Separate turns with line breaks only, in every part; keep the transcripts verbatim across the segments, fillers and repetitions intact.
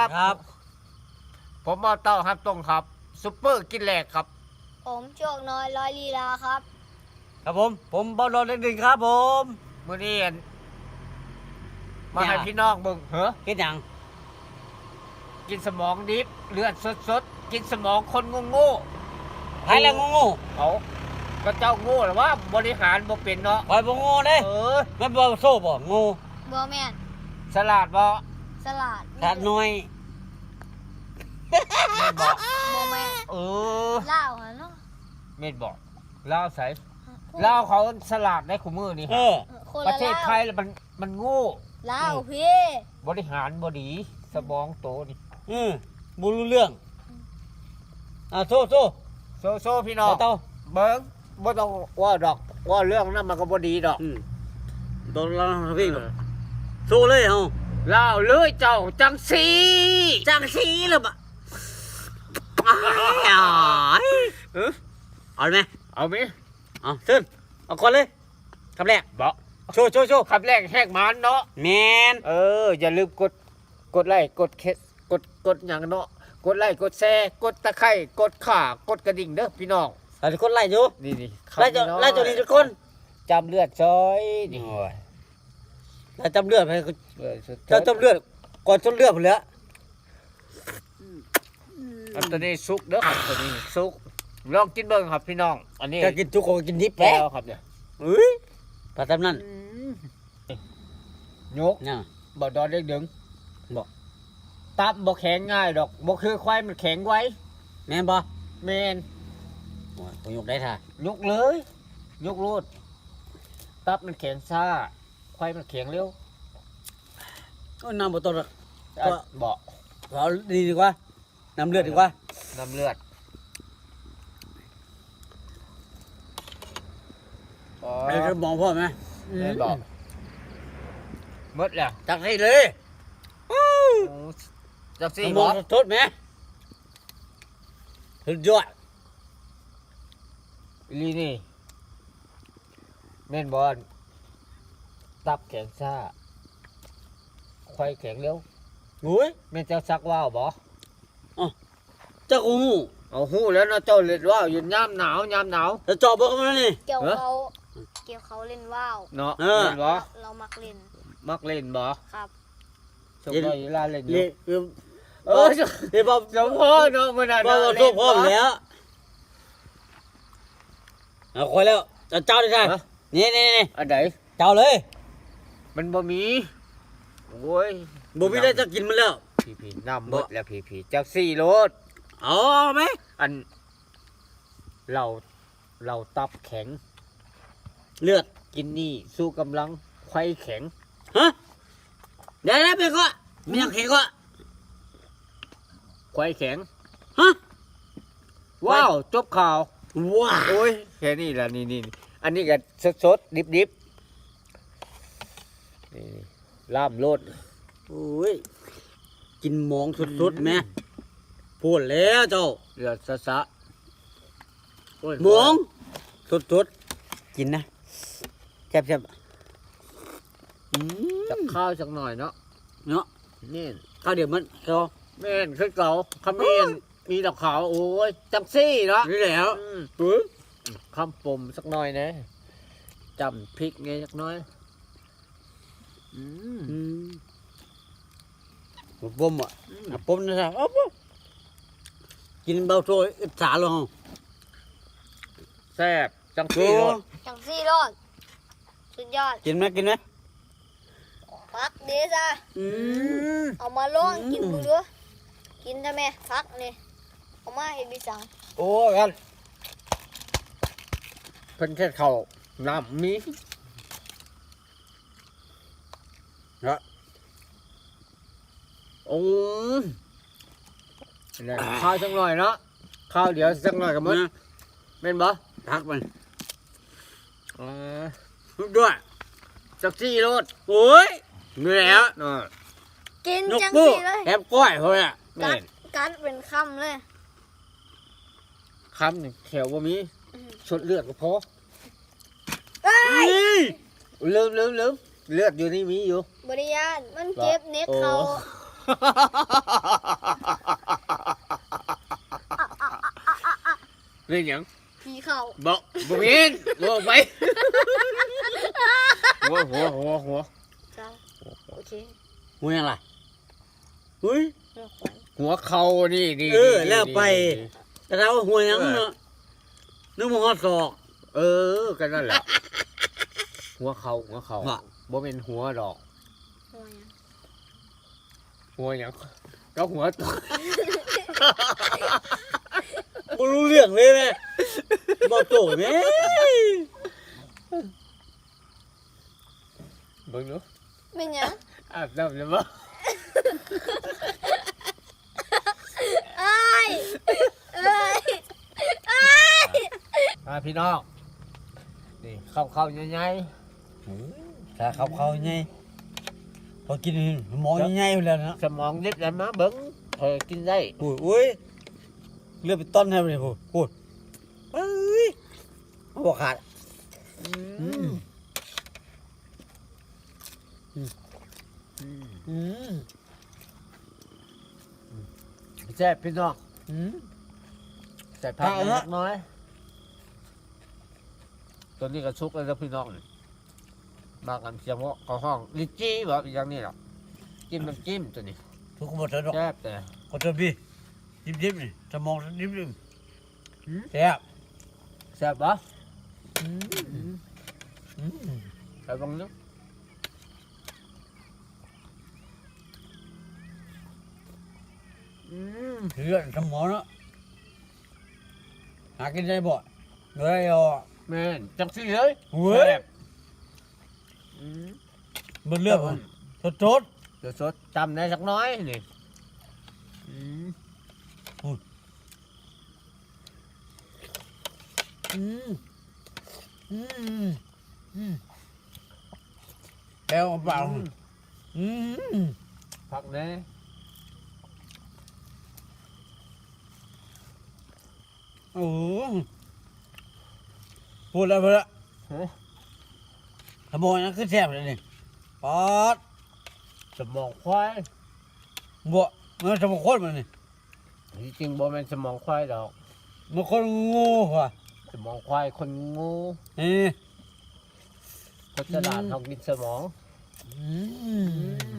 บครับผมมาเต้าครับตรงครับซุปเปอร์กินแหลกครับ
ผมโชคน้อยร้อยลีลาครับ
ครับผมผมบอลโดนเล็กหนึ่งครับผม
มื้อนี้มาให้พี่น้องเบิ่งเหรอ
กินยัง
กินสมองดิบเลือดสดๆกินสมองคนโง่
ๆใครแล้วโง่
ๆเขาก็เจ้าโง่หรือว่าบริหารบ่เป็นเนาะ
คอยบ่โง่เด้
เออ
มันบ่โซ่บ่โง่
บ่แม่น
สลัดบ่
สลัด
สลัดน้อย
แม่นบ่
บ่แม่น
เออ
ลาวหั่นเนาะ
แม่นบ่ลาวใส่ลาวเขาสลัดได้คู่มือนี่
เออ
ประเทศไทยมันมันโง่
ลาวพี่
บริหารบ่ดีสมองโตนี่
อือบ่รู้เรื่องอ่าโซ่โซ่
โซโซพี่น้อง
เต้า
เบิ่งบ่ต้องว่าดอกว่าเรื่องนั้นมันก็บ่ดีดอก
อืมตอนเราวิ่งโซ่เลยเฮา
ลาวเลยเจ้าจังสี
จังสีเลยบ่อ้ายเออเอาไหม
เอามั้ย
เอาขึ้นเอาก่อนเลยคำแรก
บ่
โชว์โชว์โชว์
คำแรกแหกมันเนาะ
แม่น
เอออย่าลืมกดกดไลค์กดเคสกดกดหยังเนาะกดไลค์กดแชร์กดตะไคร้กดข่ากดกระดิ่งเด้อพี่น้อง
หลายคนไล่อยู่
นี่
ๆไล่จะไล่ตัวนี้ทุกคน
จำเลือดซอยนี่
โอ้ยแล้วจำเลือดไปจะจำเลือดก่อนจนเลือดหมดแล้ว
อันตัวนี้ซุกเด้อครับตัวนี้ซุกลองกินเบิ่งครับพี่น้องอันนี้
จะกินทุกคนกินดิบ
แล้วครับเนี่ย
เฮ้ยปลาตำนั่น
ยกบ่ดอนเด็กดึงบ่ตับบ่แข็งง่ายดอกบ่คือควายมันแข็งไว้
แม่นบ่
แม่น
โอ้ยผมยกได้ท่
ายกเลยยกโลดตับมันแข็งซ่าควายมันแข็งเร็ว
ก็น้ำบ่ต้อง
ก็บ่
เอาดีดีกว่าน้ำเลือดดีกว่า
น้ำเลือด
ไอ้จะมองพ่อไหม
ไม่บอกมดแล้ว
จักให้เลย
จักสี่
มองทดไหมสุดยอด
ลีนี่แม่นบอลตับแข็งซ่าควายแข็งเร็ว
โอ้ย
แม่เจ้าซักว่าวบ่
อ๋อเจ้าหู
เอาหูแล้วนะเจ้าเล่นว่าวอยู่ยามหนาวยามหนาว
จะจอบบ่กันนี่
เกี่ยวเขาเกี่ยวเขาเล่นว่าว
เนาะเล่นบ่
เรามักเล่น
มักเล่นบ่
ครับ
ชมได้ลาเล่นอยู่
เออเดี๋ยวบอก
สมพ่อเนาะมื้อนั้น
บ่บ่ทุกพ่อแล้วเอาคอยแล้วจะเจ้าได้ใช่นี่นี่
อันไหน
เจ้าเลย
มันบ่มีโอ้ย
บ่มีได้จะกินมันแล้ว
พี่ๆน้ำหมดแล้วพี่ๆจักสี่รถ
เอาไหม
อันเราเราตับแข็ง
เลือด
กินนี่สู้กำลังไขว้แข็ง
ฮะเดี๋ยวนะเพื่อนก็มีอย่างแข็งก็
ไขว้แข็ง
ฮะ
ว้าวจบข่าว
ว้าว
โอ้ยแค่นี้แหละนี่นี่อันนี้ก็สดสดดิบดิบนี่ล่ามโลด
โอ้ยกินมองสดๆแม่พูดแล้วเจ้า
เดือดสะสะ
มองสดๆกินนะแซ่บ
ๆจับข้าวสักหน่อยเนาะ
เนาะ
นี่
ข้าวเดี๋ยวมันเขา
แม่นคือเก่าขมิ้นมีดอกขาวโอ้ยจังซี่เนาะ
นี่แล้ว
คำปมสักหน่อยนะจำพริกไงสักน้อย
อืมปมอ่ะปมนะจ๊ะกินเบาโซ่อิจฉาเลยฮะ
แซ่บจังซี่รส
จังซี่รสสุดยอด
กินไหมกินไหม
ฟักเดี๋ยวจ้ะเอามาลองกินดูด้วยกินทำไมฟักนี่เอามาเห็นดิสัง
โอ้กันเพิ่นแค่เขาน้ำมีนะโอ้ข้าวสักหน่อยเนาะข้าวเดี๋ยวสักหน่อยกับมึงเป็นบ่
ทักมัน
อ่า
ด้วย
สักสี่รส
โอ้ยเหนื่อยแล้ว
กินจังสี่เลย
แอบก้อยเขาเนี่ย
กัดกัดเป็นคำเลย
คำหนึ่งแถวว่ามีชดเลือดก็พอลืมลืมลืมเลือดอยู่นี่มีอยู่
บริยานมันเจ็บเน็กเขา
นี่หยัง
ผีเข้า
บอกบ่เห็นบอกไปหัวหัวหัวหัว
เจ้าโอเค
หัวยังไงเฮ้ย
เลือกไป
หัวเข่านี่นี่
เออ
นี่
แล้วไป
นี่
แต่เราหัวยังเนาะนึกว่าฮอดศอก
เออก็นั่นแหละหัวเข่าหัวเข่า
ว่ะ
บ่เป็นหัวดอก
หัวยัง
หัวหยังก็หัวตัว
บ่รู้เรื่องเลยแม่บ่โตแม่
เบิ่งดู
เป็นหยัง
อาบน้ำเลยบ่
เอ้ยเอ้ยเอ้ย
มาพี่น้องนี่เข้าเข้าใหญ่
ถ้าเขาเขาไงพอกินหมอใหญ่ๆแล้วนะ
ๆสมองนิดแล้วมาเบิ่งพอกินได้
โอ้ยโอ้ยเลือดไปต้นให้เลยพูดพูดเอ้ยบ่ขาด
อื
อื
ม
ม
อืม
อืม
แซ่บพี่น้อง
อืม
ใส่ผัก
เอา
เล็
ละ
กน้อยตัวนี้ก็ชุกแล้วนะพี่น้องนี่บางอันเสียงว่าเขาห้องลิจี้แบบอย่างนี้หรอกจิ้มน้ำจิ้มตัวนี้
ทุกคนบอกเถอะดอก
แซ่บแต่
ขอเถอะพี่ยิ้มยิ้มๆนี่สมองยิ้มยิ้ม
อืม
ๆแซ่บ
แซ่บปะ
อืมอืม
ใส่บางนึงอืม
เลือดสมองเนาะหากินได้บ่เลยอ่ะ
แม่นจังสิเลย
เว้ย
แซ่บอืม
มันเลือดมันสดสด
เดี๋ยวสดจำได้สักน้อยนี่อืม
อืมอืมอืมแก้วเปล่าอืม
ผักแน่
โอ้พูดแล้วพูดแล้ว
ฮะ
ขโมยนั่นคือแซ่บเลยนี่ปอด
สมองควาย
บัวมันสมองคนมันนี่
ที่จริงบ่แม่นสมองควายดอก
มันคนงูว่ะ
สมองควายคนงู
นี่
พจดานทองกินสมอง
อืม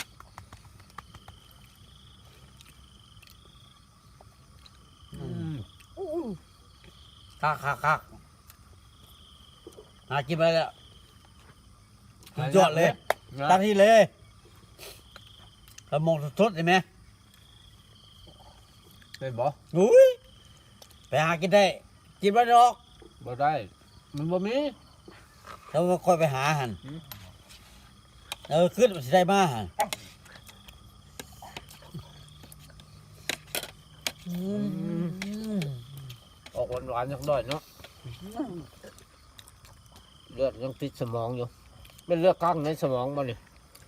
อืม
คักคักคักหากินไปแล้วสุดยอดเลย
นะ
ตามที่เลยสมองสดๆเห็นไหม
เป็นบ่
อุ้ยไปหากินได้กินไม่ได้หรอก
บ่ได้ มันบ่มี
เราค่อยไปหาหัน
อืม
เออขึ้นมันสิได้มาหันอืม
ออกหวานๆจังด้อยเนาะเลือดยังติดสมองอยู่เป็นเลือดข้างในสมองบ่นี่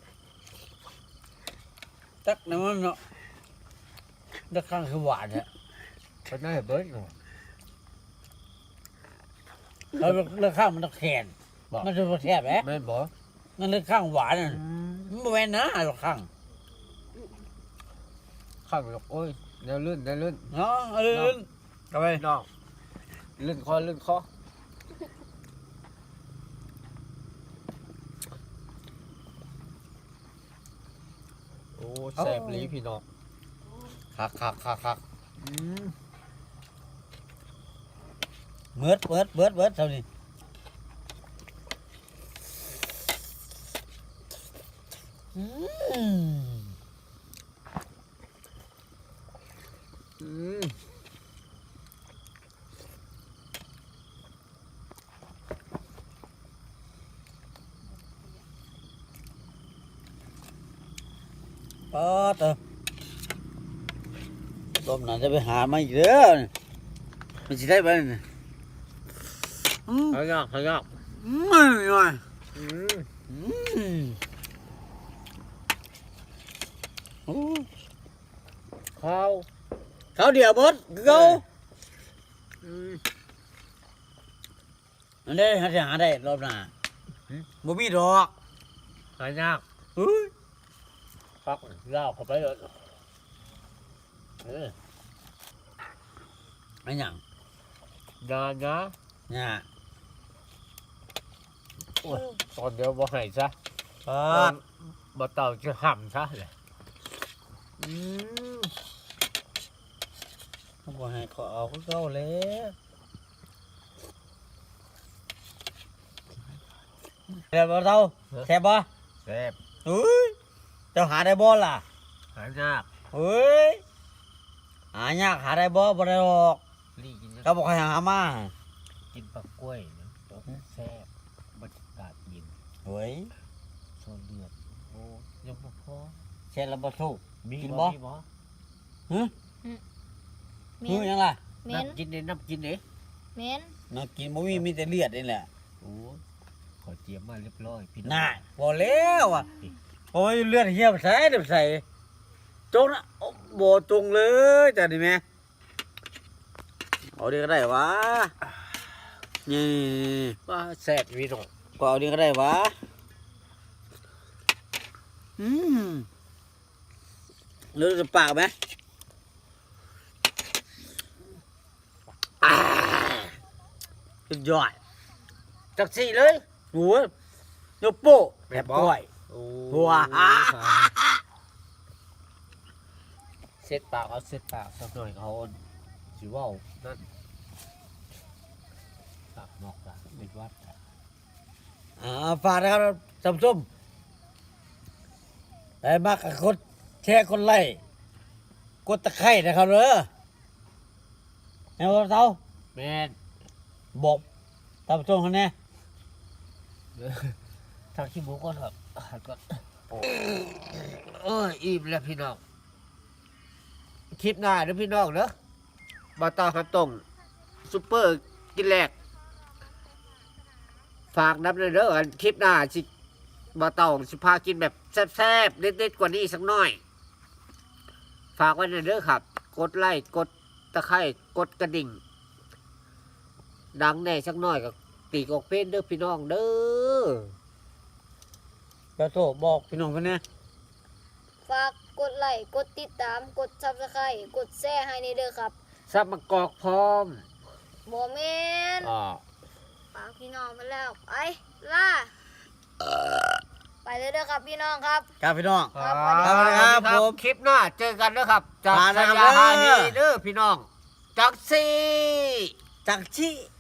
ตักน้ำมันเนาะตักข้างคือหวานเนี่ย
เป็นได้เบิดเนาะ
เราเลือกข้างมันตะแขน
บ่
มันจะแซ่บแหละ
แม่นบ่
มันเลือกข้างหวานน่ะมันบ่แม่นนะเลือกข้าง
ข้างแบบโอ้ยแนวลื่นแนวลื่น
เนาะเออเอาไป
น้องลื่นคอลื่นคอโอ้แซ่บหลีพี่น้อง
คักคักคักคัก
อืม
เบิดเบิดเบิดเบิดเท่านี้อืม
อืม
ปอดเออต้มน่าจะไปหามาอีกเด้อมันสิได้บ่เนี่ยอืม
เอายากเอายาก
อืมไม่ไหว
อืม
อืมโอ้
ข้าว
เขาเดียวเบิดคือเขา
อืม
อันนี้หาจะหาได้รอบหน้าบ่มีดอก
หายาก
เฮ้ย
ฟักเล่าเข้าไปเลยเออ
ไอ้หยัง
ยานะ
เนี่ย
โอ้ยตอนเดียวบ่ให้ซะ
เอ
ตอ
อน
บ่เต่าจะห่ำซะเลยอืม
เขาบอกให้เขาเอาคือเก่าแล้วแซ่บบ่เท่าแซ่บบ่
แซ่บ
เฮ้ยเจ้าหาได้บ่ล่ะ
หายาก
เฮ้ยหายากหาได้บ่บ่ได้หรอก
ลี่กิน
เขาบอกให้หามา
กินปลากล้วยนะตัวแซ่บบรรยากาศเย็น
เฮ้ย
โซนเลือดโอ้ยังบ่พอ
เช่นแล้วบ่สู้
มี
กิน
บ่
บ่
มีบ่
ฮึ
เม
ฮึ
น
ยังล่ะ
เมน
น้ำกินเด้น้ำกินเด้
เมน
น้ำกินบ่มีมีแต่เลือดนี่แหละ
โอ้ขอเตรียมมาเรียบร้อยพี่น้อง
น่าบ่แล้วอ่ะโอ้ยเลือดเหี่ยวใส่เดี๋ยวใส่จงนะโอ้บ่จงเลยจ้ะนี่แม่เอาดีก็ได้วะนี่
ว่าแซ่บพี่น้อง
ก็เอาดีก็ได้วะอืมเลือดจะปากไหมอ่าสุดยอด
จักสี่เลย
โอ้ยยกโป้แบบกล้วย
โอ้
ว้า
เซ็ตปากเอาเซ็ตปากสักหน่อยเขาสิเว้านั่นปากนอกปากเป็นวัด
อ่าฝากนะครับท่านผู้ชมได้มากกับคนแชร์คนไล่กดตะไคร่นะครับเด้อแม่ว่าเต้า
แม่น
บอกท่านผู้ชมคนนี้
ทางขี้หมูก่อนครับหันก่อนโอ้เอ้ยอิ่มแล้วพี่น้องคลิปหน้าเด้อพี่น้องเด้อบ่าวตาครับตรงซุปเปอร์กินแรกฝากนับเลยเด้ออันคลิปหน้าสิบ่าวตองสิพากินแบบแซ่บๆเด็ดๆกว่านี้สักหน่อย ฝากไว้ในอยเด้อครับ กดไลค์กดตะไคร่กดกระดิ่ง ดังแน่สักหน่อยกับปีกออกเพลนเด้อพี่น้องเด้อ
เจ้าโตบอกพี่น้องคนนี้
ฝากกดไลค์กดติดตามกดซับสไครต์กดแชร์ให้ในเด้อครับ
ซับมะกอกพร้อม
บ่แมน
อ่า
ฝากพี่น้องไปแล้วไปล่าไปเลยเด้อครับพี่น้องครับ
ครับพี่น้อง
ครับ
สวัสดีครับผม
คลิปหน้าเจอกันเด้อครับ จาก
มา
ส
นะครับ
ยาฮา
เด้
นี
อ
เด้อพี่น้อง จากซี
จักชี